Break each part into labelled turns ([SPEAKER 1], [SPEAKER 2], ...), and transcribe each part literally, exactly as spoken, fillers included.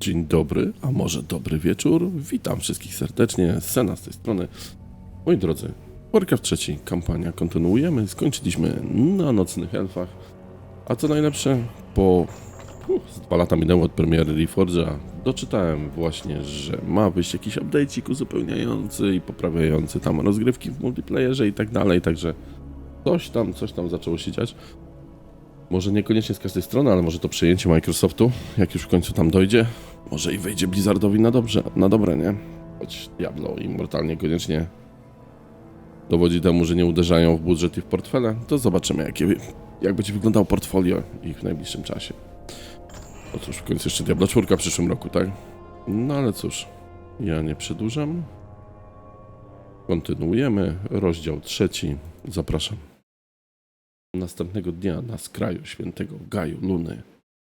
[SPEAKER 1] Dzień dobry, a może dobry wieczór. Witam wszystkich serdecznie, Sena z tej strony. Moi drodzy, Warcraft trzeci, kampania kontynuujemy. Skończyliśmy na Nocnych Elfach. A co najlepsze, po uh, z dwa lata minęło od premiery Reforge'a. Doczytałem właśnie, że ma wyjść jakiś update'ik uzupełniający i poprawiający tam rozgrywki w multiplayerze i tak dalej, także coś tam, coś tam zaczęło się dziać. Może niekoniecznie z każdej strony, ale może to przejęcie Microsoftu, jak już w końcu tam dojdzie, może i wejdzie Blizzardowi na dobrze, na dobre, nie? Choć Diablo Immortal niekoniecznie dowodzi temu, że nie uderzają w budżet i w portfele, to zobaczymy, jakie, jak będzie wyglądało portfolio ich w najbliższym czasie. No cóż, w końcu jeszcze Diablo cztery w przyszłym roku, tak? No ale cóż, ja nie przedłużam. Kontynuujemy, rozdział trzeci, zapraszam. Następnego dnia na skraju świętego Gaju Luny.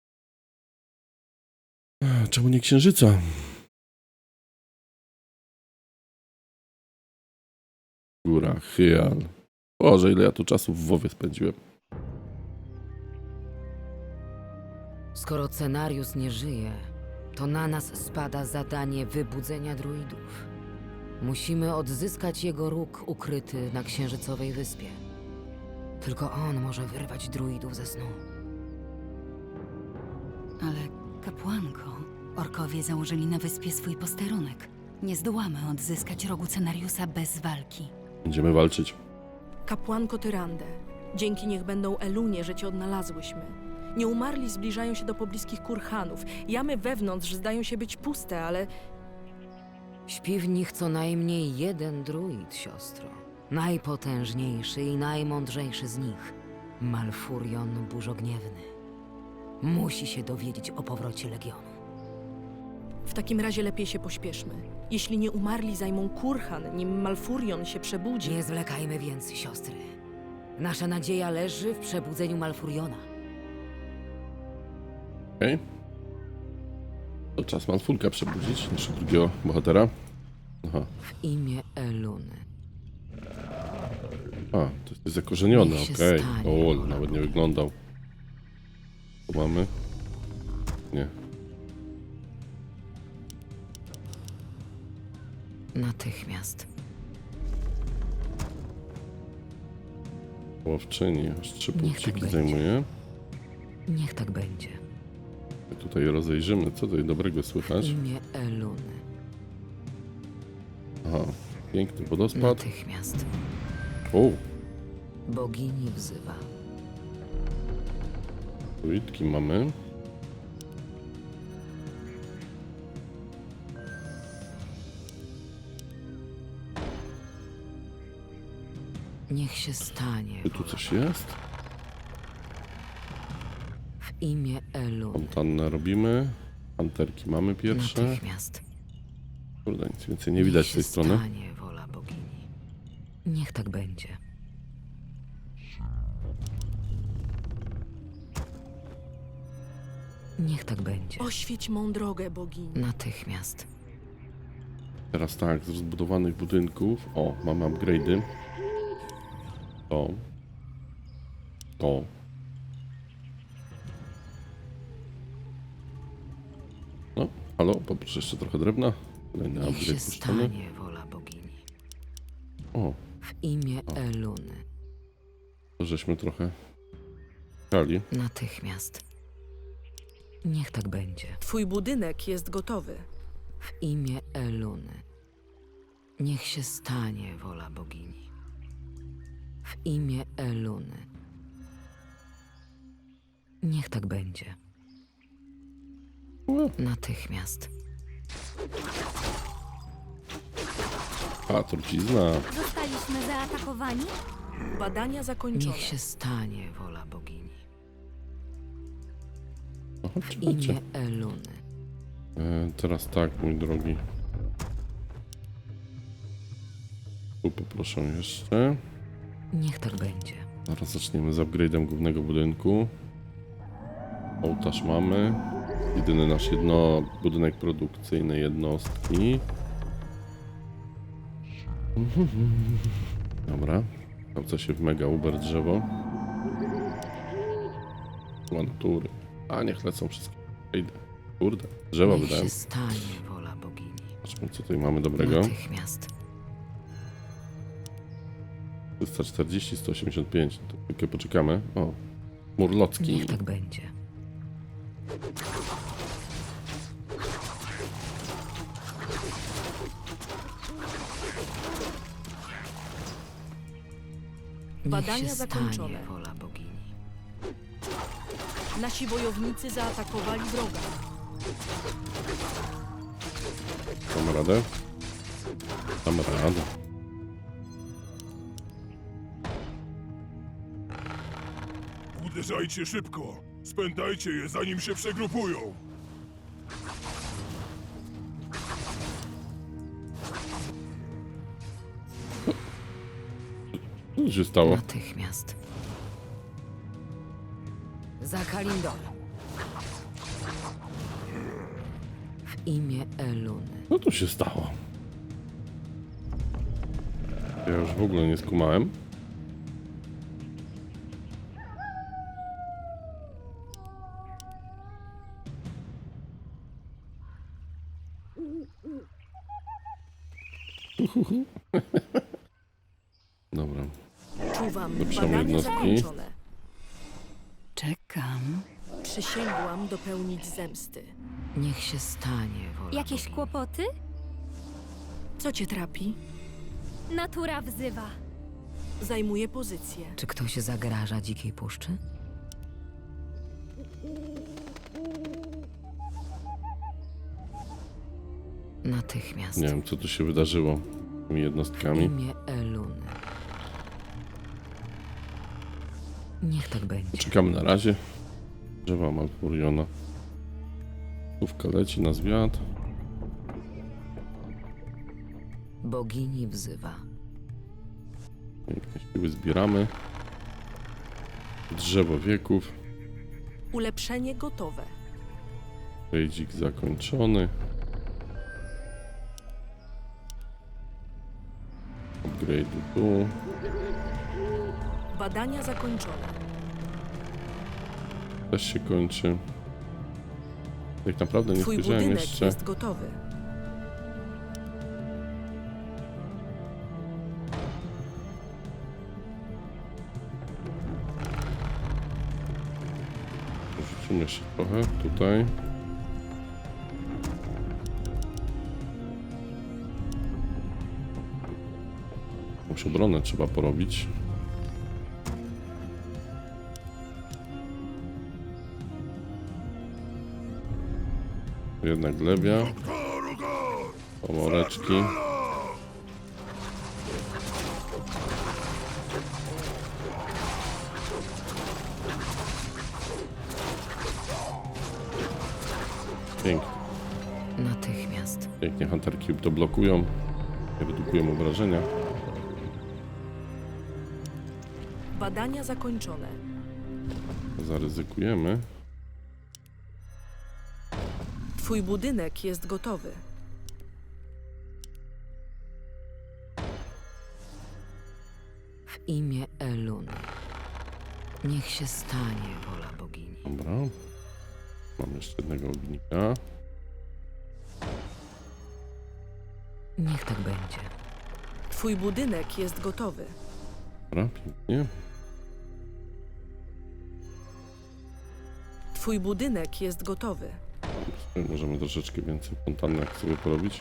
[SPEAKER 1] Czemu nie księżyca? Góra, Hyal. Boże, ile ja tu czasu w WoWie spędziłem.
[SPEAKER 2] Skoro Cenarius nie żyje, to na nas spada zadanie wybudzenia druidów. Musimy odzyskać jego róg ukryty na Księżycowej Wyspie. Tylko on może wyrwać druidów ze snu.
[SPEAKER 3] Ale kapłanko, orkowie założyli na wyspie swój posterunek. Nie zdołamy odzyskać rogu Cenariusa bez walki.
[SPEAKER 1] Będziemy walczyć.
[SPEAKER 4] Kapłanko Tyrande, dzięki niech będą Elunie, że cię odnalazłyśmy. Nieumarli zbliżają się do pobliskich kurhanów. Jamy wewnątrz zdają się być puste, ale
[SPEAKER 2] Śpi w nich co najmniej jeden druid, siostro. Najpotężniejszy i najmądrzejszy z nich. Malfurion Burzogniewny. Musi się dowiedzieć o powrocie Legionu.
[SPEAKER 4] w takim razie lepiej się pośpieszmy. Jeśli nieumarli zajmą kurhan, nim Malfurion się przebudzi...
[SPEAKER 2] Nie zwlekajmy więc, siostry. Nasza nadzieja leży w przebudzeniu Malfuriona.
[SPEAKER 1] Okej. Okay. To czas Malfurka przebudzić, naszego drugiego bohatera. Aha.
[SPEAKER 2] W imię Eluny.
[SPEAKER 1] A, to jest zakorzeniony,
[SPEAKER 2] Niech się
[SPEAKER 1] okej.
[SPEAKER 2] stanie.
[SPEAKER 1] Okay. O, nawet nie wyglądał. Tu mamy? Nie.
[SPEAKER 2] Natychmiast.
[SPEAKER 1] Łowczyni, aż trzy
[SPEAKER 2] Niech
[SPEAKER 1] punkciki
[SPEAKER 2] tak będzie.
[SPEAKER 1] zajmuje.
[SPEAKER 2] Niech tak będzie.
[SPEAKER 1] Tutaj rozejrzymy, co tutaj dobrego
[SPEAKER 2] W
[SPEAKER 1] słychać.
[SPEAKER 2] imię Eluny.
[SPEAKER 1] Aha, piękny wodospad.
[SPEAKER 2] Natychmiast.
[SPEAKER 1] O,
[SPEAKER 2] Bogini wzywa.
[SPEAKER 1] druidki mamy.
[SPEAKER 2] Niech się stanie.
[SPEAKER 1] Czy tu coś jest?
[SPEAKER 2] W imię Eluny.
[SPEAKER 1] Fontannę robimy. Panterki mamy pierwsze.
[SPEAKER 2] Natychmiast.
[SPEAKER 1] Kurde, nic więcej nie widać z tej
[SPEAKER 2] Niech się
[SPEAKER 1] strony.
[SPEAKER 2] stanie wola bogini. Niech tak będzie. Niech tak będzie.
[SPEAKER 4] Oświeć mą drogę, bogini.
[SPEAKER 2] Natychmiast.
[SPEAKER 1] Teraz tak, z rozbudowanych budynków. O, mamy upgrade'y. To. To. No, halo, poproszę jeszcze trochę drewna. Kolejny
[SPEAKER 2] Niech się
[SPEAKER 1] upgrade puszczony.
[SPEAKER 2] stanie wola bogini.
[SPEAKER 1] O,
[SPEAKER 2] W imię
[SPEAKER 1] O.
[SPEAKER 2] Eluny.
[SPEAKER 1] to żeśmy trochę czekali.
[SPEAKER 2] Natychmiast. Niech tak będzie.
[SPEAKER 4] Twój budynek jest gotowy.
[SPEAKER 2] W imię Eluny. Niech się stanie wola bogini. W imię Eluny. Niech tak będzie. Natychmiast.
[SPEAKER 1] A, trucizna.
[SPEAKER 3] Zostaliśmy zaatakowani?
[SPEAKER 4] Badania zakończone.
[SPEAKER 2] Niech się stanie wola bogini.
[SPEAKER 1] Aha,
[SPEAKER 2] W
[SPEAKER 1] czekajcie.
[SPEAKER 2] imię Eluny.
[SPEAKER 1] E, teraz tak, mój drogi. Tu poproszę jeszcze.
[SPEAKER 2] Niech tak będzie.
[SPEAKER 1] Zaraz zaczniemy z upgrade'em głównego budynku. Ołtarz mamy. Jedyny nasz jedno budynek produkcyjny jednostki. Dobra. Sprawdza się w mega uber drzewo. Natury. A niech lecą wszystkie. Idę. Kurde, drzewa
[SPEAKER 2] Niech
[SPEAKER 1] wydałem.
[SPEAKER 2] się stanie wola bogini.
[SPEAKER 1] Zobaczmy, co tutaj mamy dobrego.
[SPEAKER 2] Natychmiast.
[SPEAKER 1] trzysta czterdzieści, sto osiemdziesiąt pięć. To chwilkę poczekamy. O, Murlocki.
[SPEAKER 2] Niech tak będzie. Niech
[SPEAKER 4] Badania
[SPEAKER 2] się
[SPEAKER 4] zakończone.
[SPEAKER 2] stanie wola bogini.
[SPEAKER 4] Nasi wojownicy zaatakowali wroga.
[SPEAKER 1] Damy radę? Damy radę.
[SPEAKER 5] Uderzajcie szybko! Spętajcie je, zanim się przegrupują!
[SPEAKER 1] Co się stało?
[SPEAKER 2] Natychmiast. Za Kalindor. W imię Eluny.
[SPEAKER 1] Co tu się stało? Ja już w ogóle nie skumałem. Uhuhu. Dobra.
[SPEAKER 4] Czuwam.
[SPEAKER 1] Lepszą
[SPEAKER 4] Badania
[SPEAKER 1] jednostki.
[SPEAKER 4] zakończone.
[SPEAKER 3] Czekam.
[SPEAKER 4] Przysięgłam dopełnić zemsty.
[SPEAKER 2] Niech się stanie wola
[SPEAKER 6] Jakieś
[SPEAKER 2] bogini.
[SPEAKER 6] kłopoty?
[SPEAKER 4] Co cię trapi?
[SPEAKER 6] Natura wzywa.
[SPEAKER 4] Zajmuję pozycję.
[SPEAKER 2] Czy ktoś zagraża dzikiej puszczy? Natychmiast.
[SPEAKER 1] Nie wiem, co tu się wydarzyło z tymi
[SPEAKER 2] W
[SPEAKER 1] jednostkami.
[SPEAKER 2] imię Eluny. Niech tak będzie.
[SPEAKER 1] Czekamy na razie. Drzewa Malfuriona. Słówka leci na zwiat.
[SPEAKER 2] Bogini wzywa.
[SPEAKER 1] Pięknie siły zbieramy. Drzewo wieków.
[SPEAKER 4] Ulepszenie gotowe.
[SPEAKER 1] Rejdzik zakończony. Upgrade tu.
[SPEAKER 4] Badania zakończone.
[SPEAKER 1] Też się kończy. Tak naprawdę nie
[SPEAKER 4] Twój
[SPEAKER 1] spojrzałem
[SPEAKER 4] budynek
[SPEAKER 1] jeszcze.
[SPEAKER 4] jest gotowy.
[SPEAKER 1] Rzucimy jeszcze trochę tutaj. Jakąś obronę trzeba porobić. Jednak glebia. Pomoreczki. Pięknie.
[SPEAKER 2] Natychmiast.
[SPEAKER 1] Pięknie hunterki to blokują. Redukują obrażenia.
[SPEAKER 4] Badania zakończone.
[SPEAKER 1] Zaryzykujemy.
[SPEAKER 4] Twój budynek jest gotowy.
[SPEAKER 2] W imię Eluny. Niech się stanie wola bogini.
[SPEAKER 1] Dobra. Mam jeszcze jednego ognika.
[SPEAKER 2] Niech tak będzie.
[SPEAKER 4] Twój budynek jest gotowy.
[SPEAKER 1] Dobra, pięknie.
[SPEAKER 4] Twój budynek jest gotowy.
[SPEAKER 1] Możemy troszeczkę więcej fontannek sobie porobić.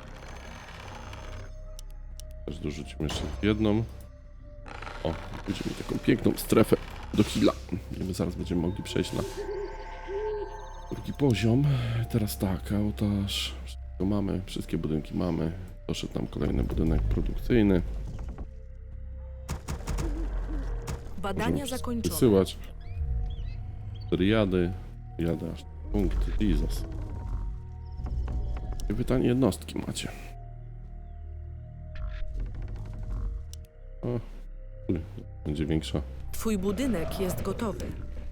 [SPEAKER 1] Też dorzucimy jeszcze jedną. O, będziemy taką piękną strefę do heala. I my zaraz będziemy mogli przejść na drugi poziom. Teraz tak, ołtarz. Wszystko mamy, wszystkie budynki mamy. Doszedł nam kolejny budynek produkcyjny.
[SPEAKER 4] Badania
[SPEAKER 1] Możemy
[SPEAKER 4] zakończone.
[SPEAKER 1] wysyłać. Triady. Jadę aż punkt. Jesus. I pytanie jednostki macie. O, uj, będzie większa.
[SPEAKER 4] Twój budynek jest gotowy.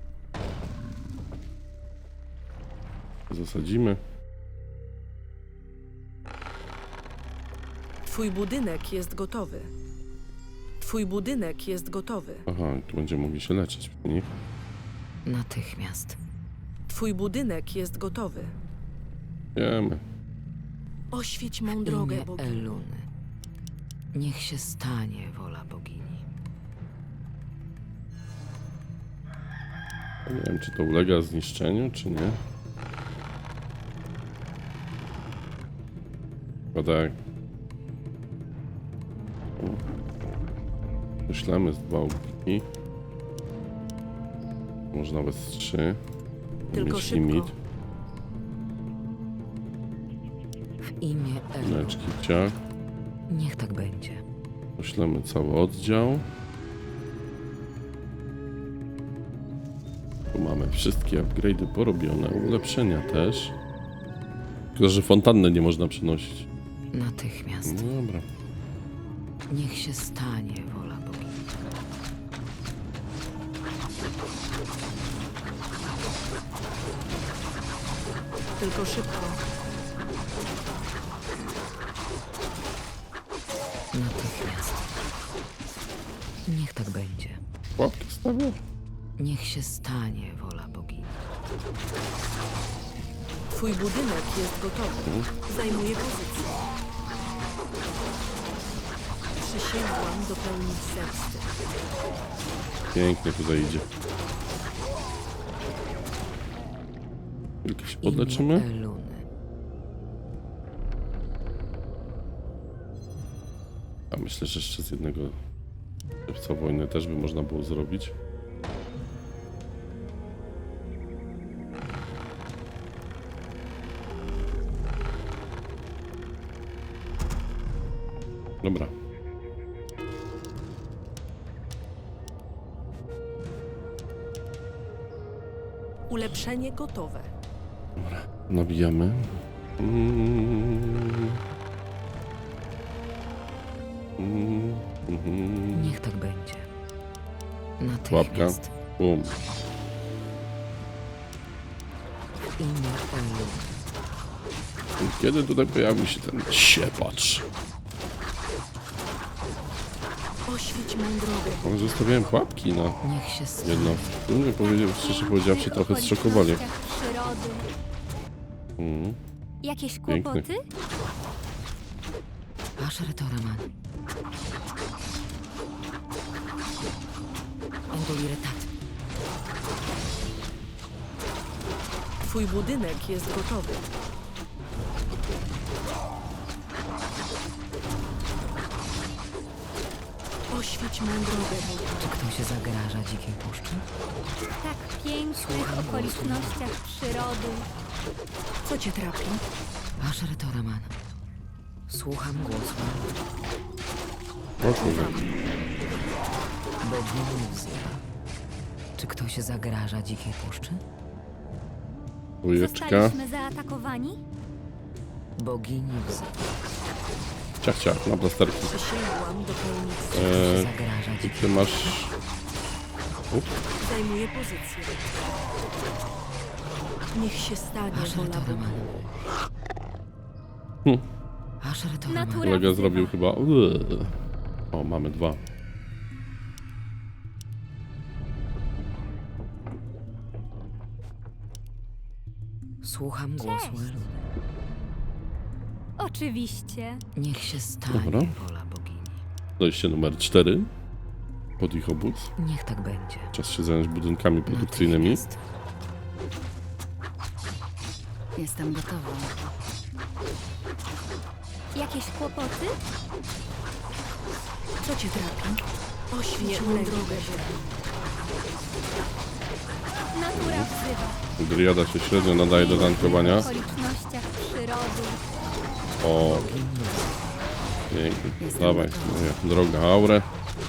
[SPEAKER 1] Zasadzimy.
[SPEAKER 4] Twój budynek jest gotowy. Twój budynek jest gotowy.
[SPEAKER 1] Aha, tu będziemy mogli się leczyć przy nich.
[SPEAKER 2] Natychmiast.
[SPEAKER 4] Twój budynek jest gotowy.
[SPEAKER 1] Wiemy.
[SPEAKER 4] Oświeć mą
[SPEAKER 2] W
[SPEAKER 4] drogę,
[SPEAKER 2] imię
[SPEAKER 4] bogini.
[SPEAKER 2] Eluny. Niech się stanie wola bogini.
[SPEAKER 1] Nie wiem, czy to ulega zniszczeniu, czy nie. Chyba tak. Wyślemy z dwa ubiki. Może nawet z trzy.
[SPEAKER 4] Tylko
[SPEAKER 1] Mieć
[SPEAKER 4] szybko.
[SPEAKER 1] limit.
[SPEAKER 2] W imię Eluny.
[SPEAKER 1] Leczki ciach.
[SPEAKER 2] Niech tak będzie.
[SPEAKER 1] Poślemy cały oddział. Tu mamy wszystkie upgrade'y porobione, ulepszenia też. Tylko, że fontanny nie można przenosić.
[SPEAKER 2] Natychmiast.
[SPEAKER 1] No dobra.
[SPEAKER 2] Niech się stanie wola bogini.
[SPEAKER 4] Tylko szybko.
[SPEAKER 2] Natychmiast. Niech tak będzie.
[SPEAKER 1] Łapkę stawię.
[SPEAKER 2] Niech się stanie wola bogini.
[SPEAKER 4] Twój budynek jest gotowy. Zajmuję pozycję. Przysięgłam dopełnić zemsty.
[SPEAKER 1] Pięknie tutaj idzie. Tylko się
[SPEAKER 2] W imię
[SPEAKER 1] podleczymy.
[SPEAKER 2] Eluny.
[SPEAKER 1] A myślę, że jeszcze z jednego szewca wojny też by można było zrobić. Dobra.
[SPEAKER 4] Ulepszenie gotowe.
[SPEAKER 1] Dobra. Nabijamy. Mm. Mm. Mhm.
[SPEAKER 2] Niech tak będzie.
[SPEAKER 1] Łapka.
[SPEAKER 2] Natychmiast.
[SPEAKER 1] Bum.
[SPEAKER 2] W imię Eluny.
[SPEAKER 1] Kiedy tutaj pojawił się ten siepacz?
[SPEAKER 4] Oświeć mą drogę.
[SPEAKER 1] Ale zostawiałem pułapki na
[SPEAKER 2] Niech się stanie.
[SPEAKER 1] jedno. Tu mnie powiedział, szczerze powiedziawszy, trochę zszokowali.
[SPEAKER 6] Przyrody.
[SPEAKER 1] Mm.
[SPEAKER 6] Jakieś
[SPEAKER 1] Piękny.
[SPEAKER 6] kłopoty?
[SPEAKER 2] Asher Toraman. Enduliretat.
[SPEAKER 4] Twój budynek jest gotowy. Oświeć mą drogę, bogini.
[SPEAKER 2] Czy ktoś zagraża dzikiej puszczy?
[SPEAKER 6] Tak pięknych okolicznościach przyrody.
[SPEAKER 4] Co cię trapi?
[SPEAKER 2] Asher Toraman. Słucham głosu.
[SPEAKER 1] O kurde.
[SPEAKER 2] Bogini wzywa. Czy ktoś zagraża dzikiej puszczy?
[SPEAKER 1] Dwójeczka.
[SPEAKER 6] Zostaliśmy zaatakowani?
[SPEAKER 2] Bogini wzywa.
[SPEAKER 1] Ciach, ciach, na plasterki.
[SPEAKER 4] Przysięgłam dopełnić zemsty.
[SPEAKER 2] Czy
[SPEAKER 1] Eee,
[SPEAKER 2] zagraża
[SPEAKER 1] I
[SPEAKER 2] dzikiej
[SPEAKER 1] ty masz... Up.
[SPEAKER 4] Zajmuję pozycję. Niech się stanie
[SPEAKER 2] Asher
[SPEAKER 4] wola bogini.
[SPEAKER 2] Toraman.
[SPEAKER 1] Hm.
[SPEAKER 2] Asher Toraman.
[SPEAKER 6] Natura
[SPEAKER 1] Kolega
[SPEAKER 6] wzywa.
[SPEAKER 1] zrobił chyba... Uuu. O, mamy dwa.
[SPEAKER 2] Słucham głosu
[SPEAKER 6] Cześć.
[SPEAKER 2] Eluny.
[SPEAKER 6] Oczywiście.
[SPEAKER 2] Niech się stanie
[SPEAKER 1] Dobra.
[SPEAKER 2] wola bogini.
[SPEAKER 1] Dojście numer cztery. Pod ich obóz.
[SPEAKER 2] Niech tak będzie.
[SPEAKER 1] Czas się zająć budynkami produkcyjnymi.
[SPEAKER 2] Natychmiast.
[SPEAKER 3] Jestem gotowa.
[SPEAKER 6] Jakieś kłopoty?
[SPEAKER 4] Co cię trapi? Oświeć mą drogę, bogini.
[SPEAKER 6] Natura wzywa.
[SPEAKER 1] Driada się średnio nadaje do tankowania.
[SPEAKER 6] W okolicznościach przyrody.
[SPEAKER 1] O, pięknie. Dawaj, moja droga aurę.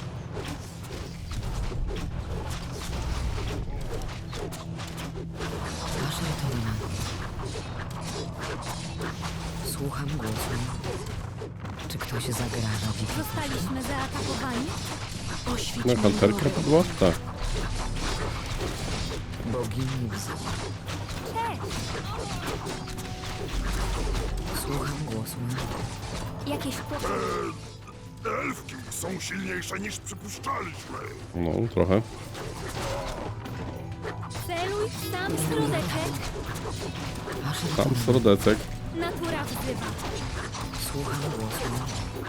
[SPEAKER 2] Asher Toraman. Słucham głosu. Czy ktoś zagraża dzikiej puszczy?
[SPEAKER 6] Zostaliśmy zaatakowani?
[SPEAKER 4] Oświeć
[SPEAKER 1] Na
[SPEAKER 4] mą
[SPEAKER 1] kanterkę
[SPEAKER 4] drogę.
[SPEAKER 1] padła? Tak.
[SPEAKER 2] Bogini wzywa.
[SPEAKER 6] Cześć.
[SPEAKER 2] Słucham głosu Eluny.
[SPEAKER 6] Jakieś kłopoty?
[SPEAKER 5] Elfki są silniejsze niż przypuszczaliśmy.
[SPEAKER 1] No, trochę.
[SPEAKER 6] Celu Spójrz, sam środeczek.
[SPEAKER 2] Asher
[SPEAKER 1] Tam
[SPEAKER 2] Toraman,
[SPEAKER 1] srodecek.
[SPEAKER 6] Natura wzywa.
[SPEAKER 2] słucham głosu.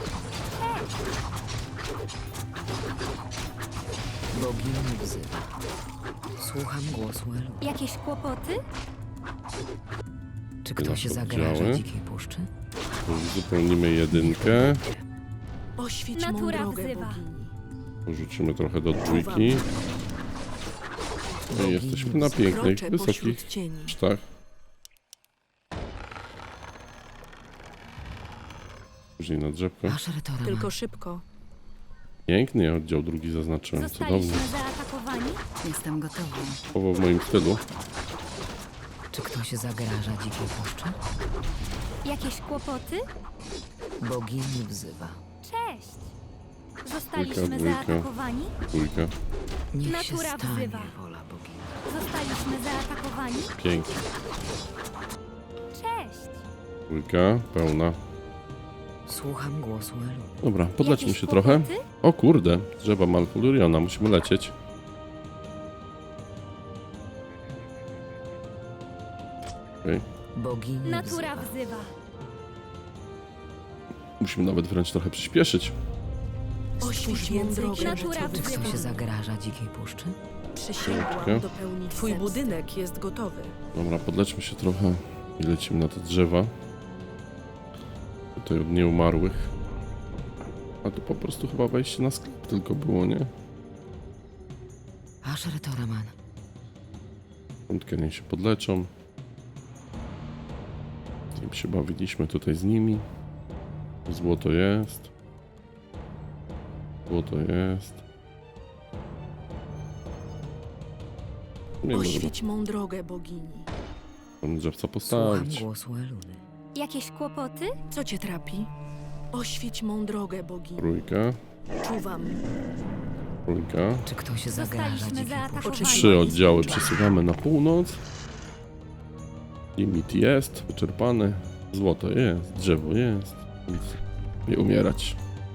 [SPEAKER 2] Bogini wzywa. Słucham głosu Elu.
[SPEAKER 6] Jakieś kłopoty?
[SPEAKER 2] Czy ktoś
[SPEAKER 1] nasze
[SPEAKER 2] zagraża
[SPEAKER 1] oddziały.
[SPEAKER 2] dzikiej puszczy?
[SPEAKER 1] Uzupełnimy jedynkę.
[SPEAKER 4] Oświeć mą
[SPEAKER 6] Natura
[SPEAKER 4] drogę,
[SPEAKER 6] wzywa.
[SPEAKER 4] bogini.
[SPEAKER 1] Porzucimy trochę do dwójki. No i jesteśmy na pięknych,
[SPEAKER 4] Kroczę
[SPEAKER 1] wysokich
[SPEAKER 4] pośród cieni.
[SPEAKER 1] sztach. Później na drzewko.
[SPEAKER 2] Asher Toraman,
[SPEAKER 4] Tylko szybko.
[SPEAKER 1] Pięknie, oddział drugi zaznaczyłem. Cudownie.
[SPEAKER 6] Zostaliśmy zaatakowani?
[SPEAKER 3] Jestem gotowa.
[SPEAKER 1] Słowo w moim stylu.
[SPEAKER 2] czy ktoś zagraża dzikiej puszczy?
[SPEAKER 6] Jakieś kłopoty?
[SPEAKER 2] Bogini wzywa.
[SPEAKER 6] Cześć. Zostaliśmy
[SPEAKER 1] Dwójka, dwójka.
[SPEAKER 6] zaatakowani?
[SPEAKER 1] Dwójka.
[SPEAKER 2] Niech się
[SPEAKER 6] Natura
[SPEAKER 2] stanie
[SPEAKER 6] wzywa.
[SPEAKER 2] wola bogini.
[SPEAKER 6] Zostaliśmy zaatakowani?
[SPEAKER 1] Pięknie.
[SPEAKER 6] Cześć.
[SPEAKER 1] Dwójka, pełna.
[SPEAKER 2] Słucham głosu Elu.
[SPEAKER 1] Dobra, podlećmy
[SPEAKER 6] Jakieś
[SPEAKER 1] się trochę.
[SPEAKER 6] kłopoty?
[SPEAKER 1] O kurde, drzewa Malfuriona, musimy lecieć. Okej.
[SPEAKER 2] Bogini
[SPEAKER 6] Natura
[SPEAKER 2] wzywa.
[SPEAKER 6] wzywa.
[SPEAKER 1] Musimy nawet wręcz trochę przyspieszyć.
[SPEAKER 4] Oświeć mą drogę.
[SPEAKER 6] Natura
[SPEAKER 2] Czy
[SPEAKER 6] wzywa.
[SPEAKER 2] ktoś zagraża dzikiej puszczy?
[SPEAKER 4] Przysięgłam
[SPEAKER 1] Chwileczkę.
[SPEAKER 4] dopełnić Twój
[SPEAKER 6] zemsty.
[SPEAKER 4] budynek jest gotowy.
[SPEAKER 1] Dobra, podlećmy się trochę i lecimy na te drzewa. Tutaj od nieumarłych. A tu po prostu chyba wejście na sklep tylko było, nie?
[SPEAKER 2] Asher Toraman,
[SPEAKER 1] Piątkę niech się podleczą. Tym się bawiliśmy tutaj z nimi. Złoto jest. Złoto jest. Nie wiem,
[SPEAKER 4] Oświeć mą drogę, bogini.
[SPEAKER 1] tam drzewca
[SPEAKER 2] słucham
[SPEAKER 1] postawić.
[SPEAKER 2] głosu Eluny.
[SPEAKER 6] Jakieś kłopoty?
[SPEAKER 4] Co cię trapi? Oświeć mą drogę, bogini.
[SPEAKER 1] Trójka,
[SPEAKER 4] Czuwam.
[SPEAKER 1] trójka.
[SPEAKER 2] Czy ktoś zagraża
[SPEAKER 6] Zostaliśmy
[SPEAKER 2] dzikiej puszczy?
[SPEAKER 6] zaatakowani.
[SPEAKER 1] Trzy oddziały przesuwamy na północ. Limit jest wyczerpany. Złoto jest, drzewo jest. Nic. Nie umierać.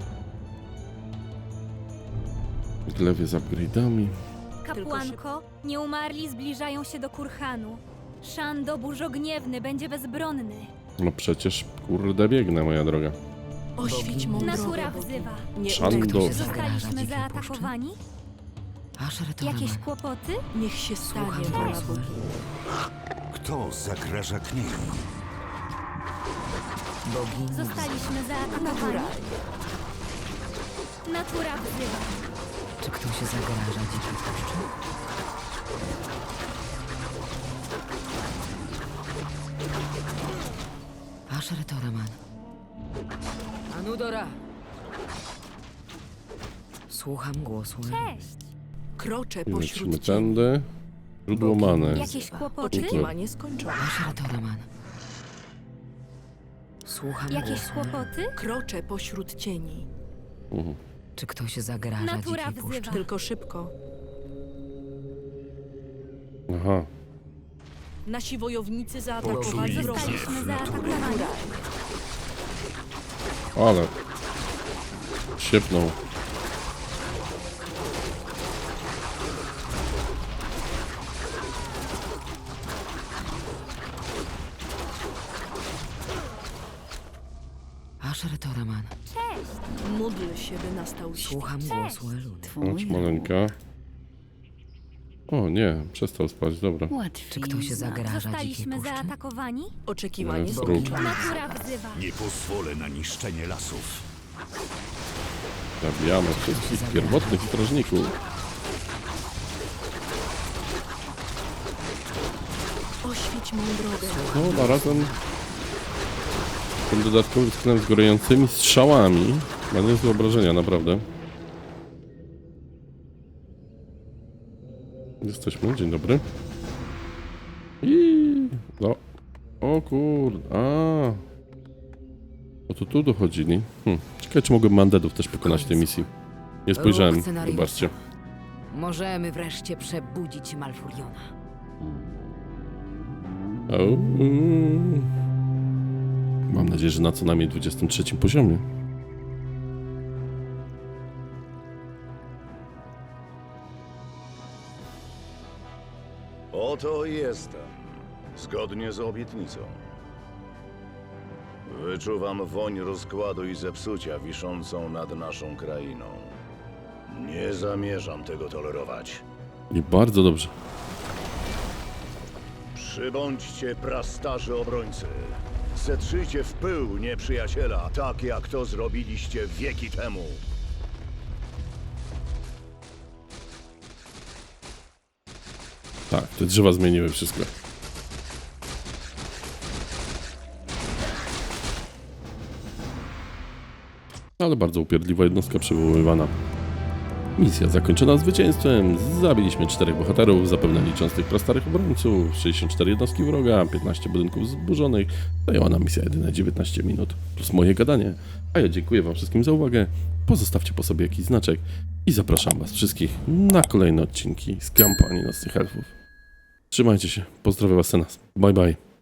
[SPEAKER 1] Glewie z upgrade'ami.
[SPEAKER 6] Kapłanko, nieumarli zbliżają się do Kurhanu. Szando burzogniewny będzie bezbronny.
[SPEAKER 1] No przecież kurde biegnę, moja droga.
[SPEAKER 4] Oświeć mą drogę,
[SPEAKER 6] Natura
[SPEAKER 4] bogini.
[SPEAKER 6] wzywa.
[SPEAKER 4] Nie
[SPEAKER 1] Szando.
[SPEAKER 4] udaj się za-
[SPEAKER 2] Zagraża
[SPEAKER 6] Zostaliśmy
[SPEAKER 2] dzikiej
[SPEAKER 6] zaatakowani?
[SPEAKER 2] Asher Toraman,
[SPEAKER 6] Jakieś kłopoty?
[SPEAKER 4] Niech się stanie
[SPEAKER 2] słucham
[SPEAKER 4] wola
[SPEAKER 2] głosu
[SPEAKER 4] bogini.
[SPEAKER 2] Eluny.
[SPEAKER 5] Kto zagraża kniei?
[SPEAKER 2] Bogini wzywa.
[SPEAKER 6] Zostaliśmy zaatakowani? Natura wzywa.
[SPEAKER 2] Czy ktoś zagraża dzikiej puszczy? Asher Toraman. Anudora! Słucham głosu Eluny.
[SPEAKER 6] Cześć.
[SPEAKER 4] Kroczę
[SPEAKER 1] I lecimy
[SPEAKER 4] pośród cieni.
[SPEAKER 1] tędy. Źródło many.
[SPEAKER 6] Jakieś kłopoty?
[SPEAKER 4] Oczekiwanie skończone.
[SPEAKER 2] Asher Toraman. Słucham
[SPEAKER 6] Jakieś
[SPEAKER 2] głosu Eluny.
[SPEAKER 6] kłopoty?
[SPEAKER 4] Kroczę pośród cieni.
[SPEAKER 1] Mhm.
[SPEAKER 2] Czy ktoś zagraża
[SPEAKER 6] Natura
[SPEAKER 2] dzikiej puszczy?
[SPEAKER 6] wzywa.
[SPEAKER 4] Tylko szybko.
[SPEAKER 1] Aha.
[SPEAKER 4] Nasi wojownicy zaatakowali
[SPEAKER 2] Bogini
[SPEAKER 4] wroga.
[SPEAKER 6] Zostaliśmy zaatakowani?
[SPEAKER 1] Ale. Siepnął.
[SPEAKER 2] Asher Toraman.
[SPEAKER 6] Cześć.
[SPEAKER 4] Módl się, by nastał świt.
[SPEAKER 2] Słucham głosu Eluny.
[SPEAKER 1] Chodź,
[SPEAKER 3] Twój
[SPEAKER 1] maleńka. O nie, przestał spać, dobra.
[SPEAKER 3] łatwiej.
[SPEAKER 2] Czy ktoś zagraża dzikiej
[SPEAKER 6] Zostaliśmy
[SPEAKER 2] puszczy?
[SPEAKER 6] zaatakowani?
[SPEAKER 4] Oczekiwanie
[SPEAKER 1] Jest
[SPEAKER 4] skończone.
[SPEAKER 1] róg.
[SPEAKER 6] Natura wzywa.
[SPEAKER 5] Nie pozwolę na niszczenie lasów.
[SPEAKER 1] Zabijamy wszystkich pierwotnych strażników.
[SPEAKER 4] Oświeć mą drogę.
[SPEAKER 1] No, a razem tym dodatkowym skinem z gorącymi strzałami. Ma niezłe obrażenia, naprawdę. Jesteśmy, dzień dobry. I no. O kurde, a. O to tu dochodzili. Hm. Ciekawe, czy mogłem mandetów też pokonać w tej misji. Nie spojrzałem,
[SPEAKER 2] Ruch scenariusza.
[SPEAKER 1] wybaczcie.
[SPEAKER 2] Możemy wreszcie przebudzić Malfuriona.
[SPEAKER 1] O. Mam nadzieję, że na co najmniej dwudziestym trzecim poziomie.
[SPEAKER 7] Oto jestem. Zgodnie z obietnicą. Wyczuwam woń rozkładu i zepsucia wiszącą nad naszą krainą. Nie zamierzam tego tolerować.
[SPEAKER 1] I bardzo dobrze.
[SPEAKER 7] Przybądźcie, prastarzy obrońcy. Zetrzyjcie w pył nieprzyjaciela, tak jak to zrobiliście wieki temu.
[SPEAKER 1] Tak, te drzewa zmieniły wszystko. Ale bardzo upierdliwa jednostka przywoływana. Misja zakończona zwycięstwem. Zabiliśmy czterech bohaterów, zapewne licząc tych prastarych obrońców, sześćdziesiąt cztery jednostki wroga, piętnaście budynków zburzonych. Zajęła nam misja jedyne dziewiętnaście minut, plus moje gadanie. A ja dziękuję wam wszystkim za uwagę. Pozostawcie po sobie jakiś znaczek i zapraszam was wszystkich na kolejne odcinki z kampanii Nocnych Elfów. Trzymajcie się, pozdrawiam was Senas. Bye bye.